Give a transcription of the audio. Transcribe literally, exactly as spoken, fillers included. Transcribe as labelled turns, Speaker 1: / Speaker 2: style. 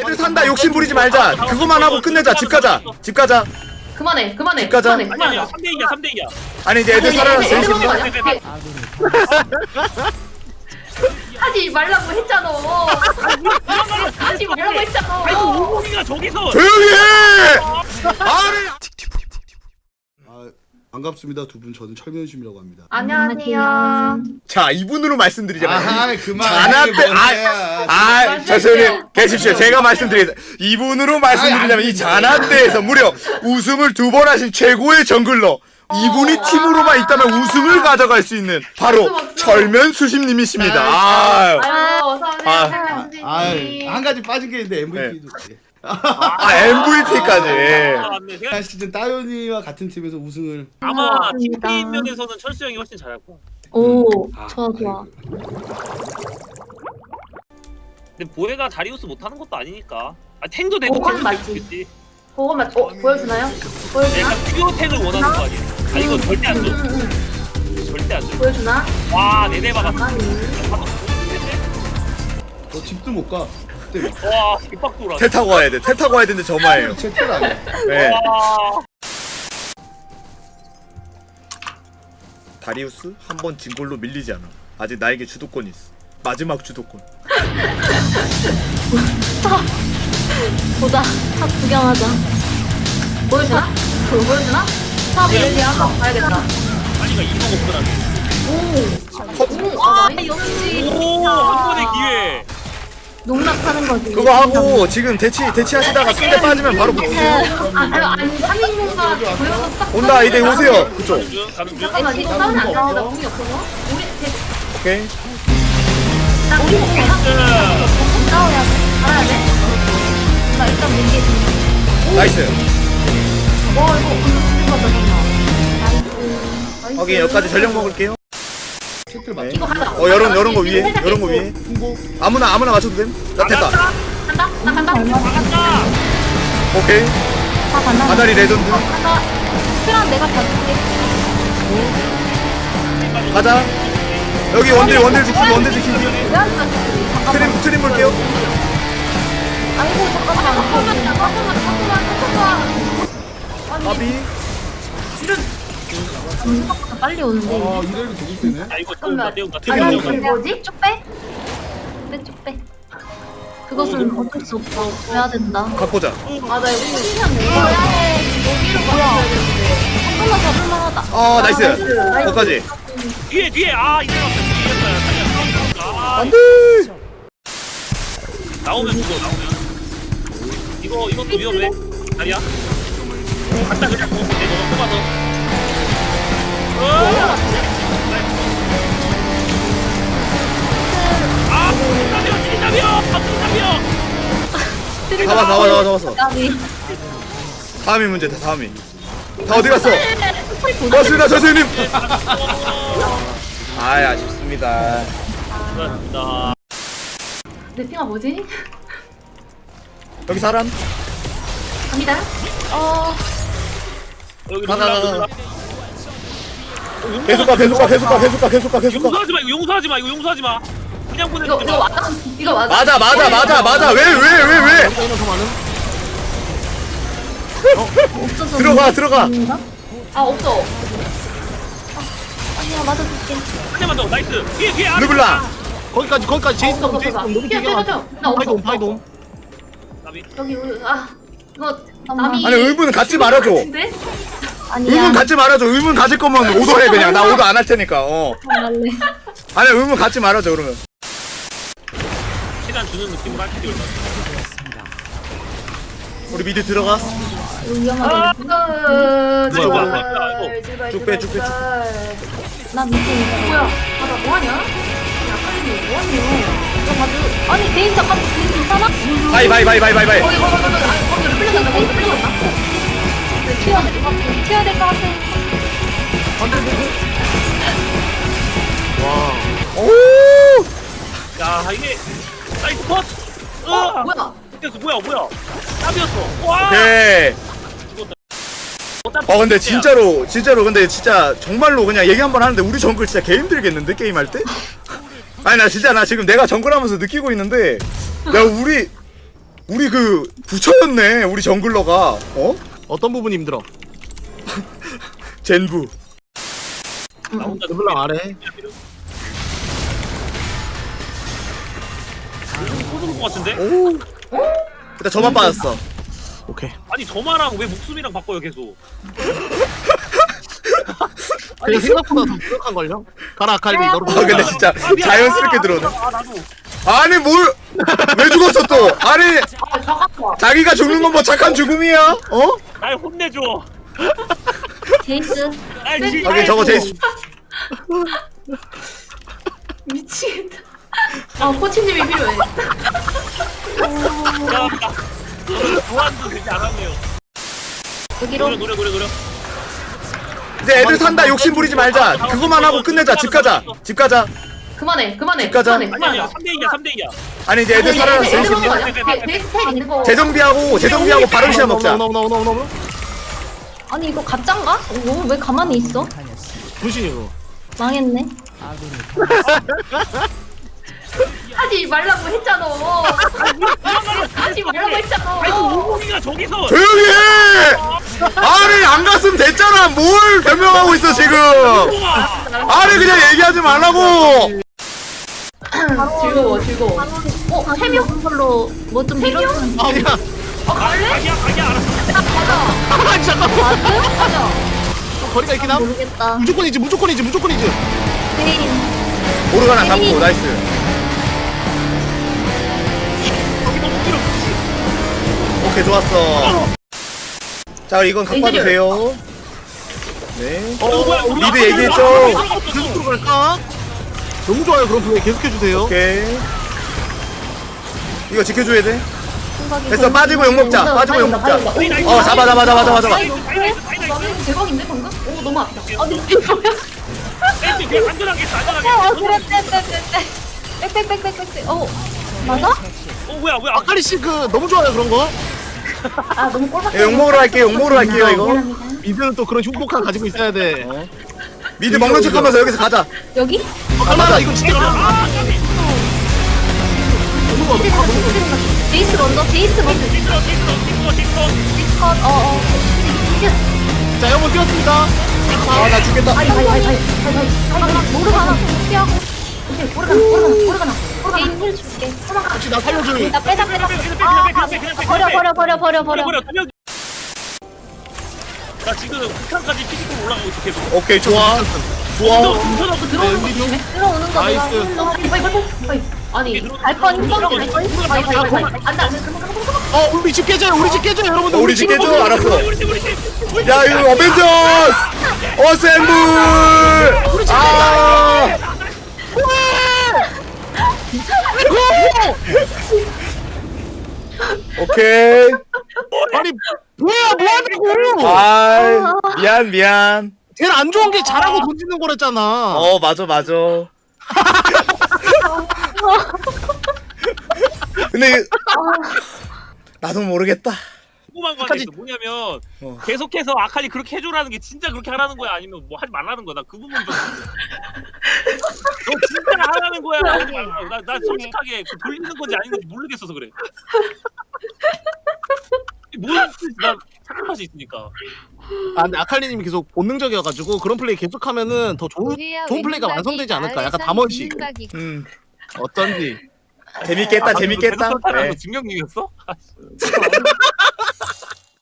Speaker 1: 애들 산다 욕심 부리지 말자. 그거만 하고 끝내자. 집 가자. 집 가자.
Speaker 2: 그만해 그만해
Speaker 1: 집 가자.
Speaker 2: 그만해
Speaker 3: 아니 아니야
Speaker 2: 그만해
Speaker 3: 삼 대 이야 삼 대 이야.
Speaker 1: 아니 이제 애들 살아났어.
Speaker 2: 애들 먹는 거
Speaker 1: 열심히.
Speaker 2: 아니야? 하지 말라고 했잖아 하지 말라고 했잖아
Speaker 3: 아이고 오공이가 저기서.
Speaker 1: 조용히 해. 아니.
Speaker 4: 아, 반갑습니다 두 분. 저는 철면심이라고 합니다.
Speaker 2: 안녕하세요
Speaker 1: 자 이분으로 말씀드리자면
Speaker 4: 아하 그만.
Speaker 1: 자나 때 아, 아, 저선님 계십시오. 제가 말씀드리겠습니다. 이분으로 말씀드리자면 이 자나 때에서 무려 우승을 두 번 하신 최고의 정글러. 이분이 팀으로만 있다면 우승을 가져갈 수 있는 바로 철면수심님이십니다. 아,
Speaker 2: 아유 어서오세요
Speaker 4: 아, 한 가지 빠진 게 있는데 엠브이피도.
Speaker 1: 아 엠브이피까지.
Speaker 3: 아, 맞네. 제가
Speaker 4: 한 시즌 따윤이와 같은 팀에서 우승을.
Speaker 3: 아마
Speaker 5: 감사합니다.
Speaker 3: 팀 면에서는 철수 형이 훨씬 잘할 거야.
Speaker 5: 오,
Speaker 4: 아,
Speaker 5: 좋아 좋아.
Speaker 3: 근데 보혜가 다리우스 못하는 것도 아니니까. 아 탱도 되고
Speaker 2: 어, 그건
Speaker 3: 탱도
Speaker 2: 맞지.
Speaker 3: 되겠지.
Speaker 2: 그거만 어 보여주나요? 보여주나?
Speaker 3: 내가 퓨어 탱을 원하는 거 아니야? 아 이거 절대 안 줘.
Speaker 2: 응응응
Speaker 3: 절대 안 줘.
Speaker 2: 보여주나?
Speaker 3: 와 내내 박았어.
Speaker 2: 아니
Speaker 4: 너 집도 못 가. 그때 막
Speaker 3: 와 개빡 돌아.
Speaker 1: 태 타고 와야 돼. 태 타고 와야 되는데 저마예요.
Speaker 4: 채틀 아니야.
Speaker 1: 네.
Speaker 3: 와.
Speaker 1: 다리우스 한 번 진 걸로 밀리지 않아. 아직 나에게 주도권이 있어. 마지막 주도권.
Speaker 5: 보자. 탑 구경하자.
Speaker 2: 보여주나? 그거 보여주나? 탑 릴리 한번 봐야겠다
Speaker 3: 아니가 이거 없더라고.
Speaker 2: 오!
Speaker 5: 아,
Speaker 2: 아 나이스
Speaker 5: 역시
Speaker 3: 오한 번의 기회.
Speaker 5: 농락하는 거지.
Speaker 1: 그거 하고 지금 대치 대치 하시다가 상대 빠지면 바로 붙으세요.
Speaker 2: 아, 아니, 아니, 삼 인공가 보여서 딱.
Speaker 1: 온다 이제 오세요. 그쪽.
Speaker 3: 가는 중 가는 중.
Speaker 2: 잠깐만, 이거 싸우면 안 되는데, 나 공이 없어서. 우리, 대,
Speaker 1: 오케이.
Speaker 2: 나 공이 없어.
Speaker 5: 싸워야 돼.
Speaker 2: 알아야 돼?
Speaker 5: 나 일단 민기 좀.
Speaker 1: 나이스.
Speaker 2: 와, 이거, 이거 맞다,
Speaker 5: 나이스.
Speaker 1: 확인 여기까지 전력 먹을게요.
Speaker 4: 채틀
Speaker 1: 네.
Speaker 4: 맞.
Speaker 2: 이거 하자.
Speaker 1: 어 여런 여런 거 위에 여런 거 위에.
Speaker 4: 홍보.
Speaker 1: 아무나 아무나 맞춰도 됨. 나 됐다.
Speaker 2: 간다? 나 간다?
Speaker 3: 나간다.
Speaker 1: 오케이.
Speaker 5: 다 간다.
Speaker 1: 아다리 레전드.
Speaker 5: 간다. 그럼 내가 봐줄게.
Speaker 1: 가자. 여기 원딜 원딜 지키기 원딜 지키기.
Speaker 5: 왜안 가지? 잠깐만.
Speaker 1: 트림 트림 볼게요.
Speaker 5: 아이고 잠깐만.
Speaker 2: 잠깐만, 잠깐만, 잠깐만, 잠깐만.
Speaker 1: 아비.
Speaker 5: 생각보다 빨리 오는데.
Speaker 4: 아 이래도 되게 세네.
Speaker 3: 야 이거 태운다 태운다
Speaker 1: 튀김
Speaker 2: 아니,
Speaker 1: 먹어.
Speaker 2: 이게 뭐지?
Speaker 5: 쭉 빼. 빼, 쭉 빼. 그것은 어쩔 수 없어. 해야 된다.
Speaker 1: 갖고 자.
Speaker 2: 아, 나 이거 신기한데. 여기로 가야 되는데.
Speaker 5: 잠깐만 잡을 만하다.
Speaker 1: 어 나이스.
Speaker 2: 나이스.
Speaker 1: 거기까지.
Speaker 3: 뒤에 뒤에 아 이제 왔어 뒤에서야 살려 아
Speaker 1: 안돼.
Speaker 3: 나오면 죽어 나오면 이거 이것도 위험해 다리야 갔다 그냥 뭐 내가 뽑아서 어! 아 진짜비요 진짜비요 진짜비요
Speaker 1: 잡아 잡아 잡아 잡았어.
Speaker 5: 까비.
Speaker 1: 다음이 문제다 다음이. 다 어디 갔어? 고맙습니다 선생님. 아 아쉽습니다.
Speaker 3: 감사합니다
Speaker 2: 내 핑아 뭐지?
Speaker 1: 여기 사람.
Speaker 2: 갑니다.
Speaker 5: 어,
Speaker 3: 여기
Speaker 1: 가가
Speaker 3: 놀라,
Speaker 1: 가.
Speaker 3: 놀라.
Speaker 1: 계속 가 계속 가 계속 가 계속 가 계속 가 계속 가.
Speaker 3: 용서하지 마 이거 용서하지 마 이거 용서하지 마 그냥
Speaker 2: 이거,
Speaker 3: 보내지
Speaker 2: 이거
Speaker 3: 마
Speaker 2: 맞아? 이거 맞아?
Speaker 1: 맞아 맞아 맞아 맞아 왜 왜 왜 왜?
Speaker 5: 없어서.
Speaker 1: 들어가 들어가.
Speaker 5: 있는가?
Speaker 2: 아, 없어.
Speaker 5: 아니야, 맞아줄게.
Speaker 3: 한 대만 더 나이스 뒤에 뒤에 아래
Speaker 1: 르블랑.
Speaker 6: 거기까지 거기까지 제이슨
Speaker 2: 없어,
Speaker 6: 동 제이슨
Speaker 2: 없어.
Speaker 6: 동 너무
Speaker 2: 뛰어,
Speaker 6: 길게
Speaker 2: 뛰어,
Speaker 6: 가.
Speaker 2: 뛰어. 나 없어.
Speaker 6: 파이동 파이동.
Speaker 3: 나비.
Speaker 2: 여기, 우리- 아, 이거,
Speaker 5: 잠깐만.
Speaker 2: 남이.
Speaker 1: 아니 의문 갖지 말아줘.
Speaker 2: 같은데?
Speaker 5: 아니야.
Speaker 1: 의문 갖지 말아줘. 의문 가질 거면 오더해 그냥. 나 오더 안 할 테니까. 어.
Speaker 5: 할래.
Speaker 1: 아니 의문 갖지 말아줘 그러면.
Speaker 3: 시간 주는 느낌으로 할게 이걸
Speaker 1: 우리 미드 들어가.
Speaker 5: 이거 위험하다.
Speaker 2: 아,
Speaker 3: 뭐야,
Speaker 2: 제발,
Speaker 3: 뭐야, 뭐야,
Speaker 2: 제발,
Speaker 1: 쭉 빼, 쭉 빼, 쭉
Speaker 2: 제발.
Speaker 5: 나 밑에 있어.
Speaker 2: 뭐야? 아, 나 뭐하냐? 야, 빨리 뭐하냐?
Speaker 5: 이거 봐줘. 아니, 데인 잠깐, 데인 괜찮아?
Speaker 1: 바이 바이 바이 바이 바이 바이.
Speaker 2: 어, 이거, 이거, 이거, 이거, 아, 거기로 끌려간다, 거기로 끌려간다.
Speaker 5: 튀어야 될 것 같아. 튀어야 될 것 같아.
Speaker 1: 오.
Speaker 3: 야 이게 나이스 컷
Speaker 2: 어,
Speaker 3: 어
Speaker 2: 뭐야?
Speaker 3: 그래서 뭐야 뭐야 땀이었어 와
Speaker 1: 오케이.
Speaker 3: 죽었다
Speaker 1: 어 근데 진짜로 진짜로 근데 진짜 정말로 그냥 얘기 한번 하는데 우리 정글 진짜 개 힘들겠는데 게임 할 때? 아니 나 진짜 나 지금 내가 정글 하면서 느끼고 있는데 야 우리 우리 그 부처였네 우리 정글러가. 어?
Speaker 6: 어떤 부분이 힘들어?
Speaker 1: 젠부.
Speaker 3: 나 혼자
Speaker 6: 르블랑 아래.
Speaker 3: 쏘는 것 같은데?
Speaker 1: 오. 일단 저만 빠졌어.
Speaker 6: 오케이.
Speaker 3: 아니 저마랑 왜 목숨이랑 바꿔요 계속?
Speaker 6: 그냥 생각보다 더 부족한 걸요? 가라 아칼리 너로.
Speaker 1: 아 근데 진짜
Speaker 3: 아, 미안.
Speaker 1: 자연스럽게
Speaker 3: 아,
Speaker 1: 들어오네.
Speaker 3: 아 나도.
Speaker 1: 아니 뭘? 왜 죽었어 또? 아니
Speaker 2: 아 잠깐만.
Speaker 1: 자기가 죽는 건 뭐 착한 죽음이야? 어?
Speaker 3: 날 혼내줘.
Speaker 5: 제이스.
Speaker 3: 날 질.
Speaker 1: 오케이 저거 제이스.
Speaker 2: 미치겠다. 아 코치님이 필요해.
Speaker 3: 미안합니다. 오늘 교환도 되지 않았네요.
Speaker 5: 여기로.
Speaker 3: 노려 노려 노려 노려.
Speaker 1: 이제 애들 산다 욕심 부리지 말자. 그거만 하고 끝내자. 집 가자. 집 가자.
Speaker 2: 그만해 그만해.
Speaker 1: 집 가자.
Speaker 2: 그만해
Speaker 3: 아니 아니야
Speaker 2: 그만해.
Speaker 3: 삼 대 이야 삼 대 이야.
Speaker 1: 아니 이제 애들 살아났어.
Speaker 2: 애들
Speaker 1: 욕심
Speaker 2: 먹는 거
Speaker 1: 부리지
Speaker 2: 아니야? 데- 데이스텔 있는 거.
Speaker 1: 재정비하고 재정비하고 바른 시간 먹자.
Speaker 6: 너너너너너너.
Speaker 5: 아니 이거 가짠가? 어, 왜 가만히 있어?
Speaker 6: 분신이고.
Speaker 5: 망했네.
Speaker 2: 하지 말라고 했잖아. 하지 말라고 했잖아.
Speaker 3: 아이고 오공이가 저기서.
Speaker 1: 조용히 해! 아니 안 갔으면 됐잖아. 뭘 변명하고 있어 지금? 아니 그냥 얘기하지 말라고.
Speaker 2: 즐거워 즐거워.
Speaker 5: 어, 세 명 걸로 뭐 좀 밀어주면.
Speaker 6: 아니야.
Speaker 2: 어 갈래?
Speaker 3: 자기야 자기야 알았어.
Speaker 2: 가자.
Speaker 6: 아 잠깐만.
Speaker 2: 가자.
Speaker 6: 거리가 있긴 함.
Speaker 5: 모르겠다.
Speaker 6: 무조건이지 무조건이지 무조건이지.
Speaker 5: 베인.
Speaker 1: 오르가나 잡고 나이스.
Speaker 3: 저기 너무 길어.
Speaker 1: 오케이 좋았어. 자 이건 갖고 와도 돼요. 네.
Speaker 6: 어 뭐야 우리
Speaker 1: 미드
Speaker 6: 아칼리
Speaker 1: 얘기했죠?
Speaker 6: 계속 들어갈까? 너무 좋아요 그런 플레이 계속해 주세요.
Speaker 1: 오케이. 이거 지켜줘야 돼.
Speaker 5: 생각이
Speaker 1: 됐어
Speaker 5: 걸리긴
Speaker 1: 빠지고 욕 먹자.
Speaker 5: 했는데.
Speaker 1: 빠지고 욕 먹자.
Speaker 3: 나이스.
Speaker 1: 어 잡아 잡아 잡아 잡아 잡아.
Speaker 3: 나이스 나이스 나이스.
Speaker 2: 나는 대박인데 방금? 오 너무 아프다.
Speaker 5: 아니 이게 뭐야?
Speaker 3: 땡땡 그냥 안전하게 했어 안전하게.
Speaker 5: 어 그래 빼빼빼빼 빽빽빽빽빽. 어 맞아?
Speaker 3: 어 뭐야 뭐야.
Speaker 6: 아칼리 씨그 너무 좋아요 그런 거.
Speaker 5: 아 너무 꼴밖에.
Speaker 1: 예, 욕 먹으러 갈게요. 욕 먹으러 갈게요 이거.
Speaker 5: 미안합니다.
Speaker 6: 미드는 또 그런 흉폭함 가지고 있어야 돼. 어,
Speaker 1: 미드 먹는 척하면서 여기서 가자.
Speaker 5: 여기?
Speaker 6: 가만아 이거 진짜 가만.
Speaker 3: 아 까비.
Speaker 6: 너무 가 너무 가 너무 가.
Speaker 5: 제이스 먼저. 제이스 먼저.
Speaker 3: 틱톡 틱톡 틱톡 틱톡.
Speaker 5: 컷. 어어.
Speaker 6: 자 영혼 뛰었습니다.
Speaker 1: 아 나 죽겠다.
Speaker 2: 아이 아이 아이 아이 아이.
Speaker 5: 모르 하나 피하고.
Speaker 2: 오케이 오르가나 오르가나 오르가나.
Speaker 5: 게임 힐 줄게.
Speaker 6: 혹시 나 살려줄.
Speaker 5: 나 빼자 빼자.
Speaker 3: 그냥 빼,
Speaker 5: 아
Speaker 3: 그냥 빼, 그냥 빼,
Speaker 5: 버려
Speaker 3: 그냥
Speaker 5: 버려 버려 버려 버려.
Speaker 3: 버려 그냥. 나 지금 극한까지 피지컬 올라가고 있어 계속.
Speaker 1: 오케이 좋아. 좋아.
Speaker 2: 들어오고 들어오는 거 조심해.
Speaker 5: 들어오는 거
Speaker 6: 나이스.
Speaker 5: 내가
Speaker 2: 빨리 빨리 빨리 빨리. 아니
Speaker 5: 갈뻔 힘들어.
Speaker 2: 빨리 빨리 빨리 빨리. 안돼 안돼 그만 그만 그만.
Speaker 6: 어 우리 집 깨져요 우리 집 깨져요 여러분들.
Speaker 1: 어, 우리 집 깨져?
Speaker 6: 먹어요.
Speaker 1: 알았어.
Speaker 3: 우리 팀 우리 팀.
Speaker 1: 야 이거 어벤져스. 어셈블. 아. 오케이.
Speaker 6: 아니 뭐야 뭐하냐고.
Speaker 1: 아 미안 미안.
Speaker 6: 걔는 안 좋은 게 잘하고 던지는 거랬잖아.
Speaker 1: 어 맞아 맞아. 근데 나도 모르겠다.
Speaker 3: 궁금한 건
Speaker 6: 끝까지-
Speaker 3: 있어. 뭐냐면
Speaker 1: 어.
Speaker 3: 계속해서 아칼리 그렇게 해줘라는 게 진짜 그렇게 하라는 거야 아니면 뭐 하지 말라는 거야. 나 그 부분 좀. 너 진짜 하라는 거야. 하지 말라고. 나, 나 솔직하게 그 돌리는 건지 아닌 건지 모르겠어서 그래. 뭐였지? 나 착각할 수 있으니까.
Speaker 6: 아 근데 아칼리님이 계속 본능적이어가지고 그런 플레이 계속하면은 더 좋은 좋은 플레이가 완성되지 않을까. 약간 담원식.
Speaker 1: 음
Speaker 6: 어쩐지.
Speaker 1: 재밌겠다
Speaker 3: 아,
Speaker 1: 재밌겠다.
Speaker 3: 계속 그렇다는
Speaker 1: 네.
Speaker 3: 거 증명님이었어?